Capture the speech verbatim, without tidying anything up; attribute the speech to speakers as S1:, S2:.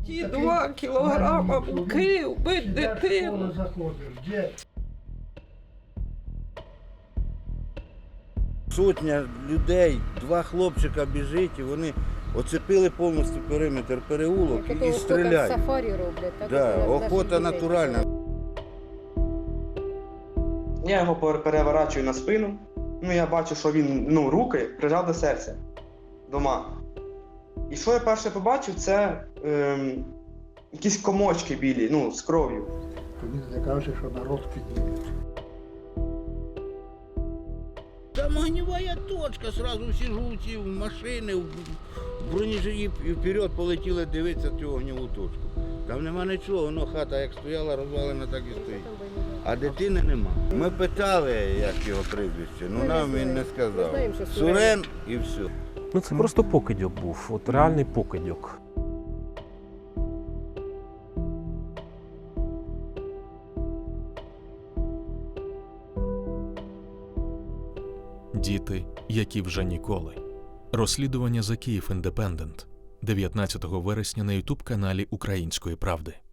S1: Ті два кілограма муки вбить дитину.
S2: Сотня людей, два хлопчика біжить, і вони оцепили повністю периметр переулок і стріляють.
S3: Сафарі роблять. Так,
S2: Да, охота натуральна.
S4: Я його переворачую на спину. Ну, я бачу, що він, ну, руки прижав до серця. Дома. І що я перше побачив, це ем, якісь комочки білі, ну, з кров'ю.
S5: Він не каже, що народ підніме.
S2: Там огневая точка, сразу всі жовті в машини, в бронежилі і вперед полетіли дивитися цю огневу точку. Там нема нічого, воно хата як стояла, розвалена, так і стоїть. А дитини нема. Ми питали, як його прізвище, ну нам він не сказав. Сурен і все.
S6: Ну це просто покидьок був, от реальний покидьок.
S7: Діти, які вже ніколи. Розслідування за Київ Індепендент. дев'ятнадцятого вересня на ютуб-каналі Української правди.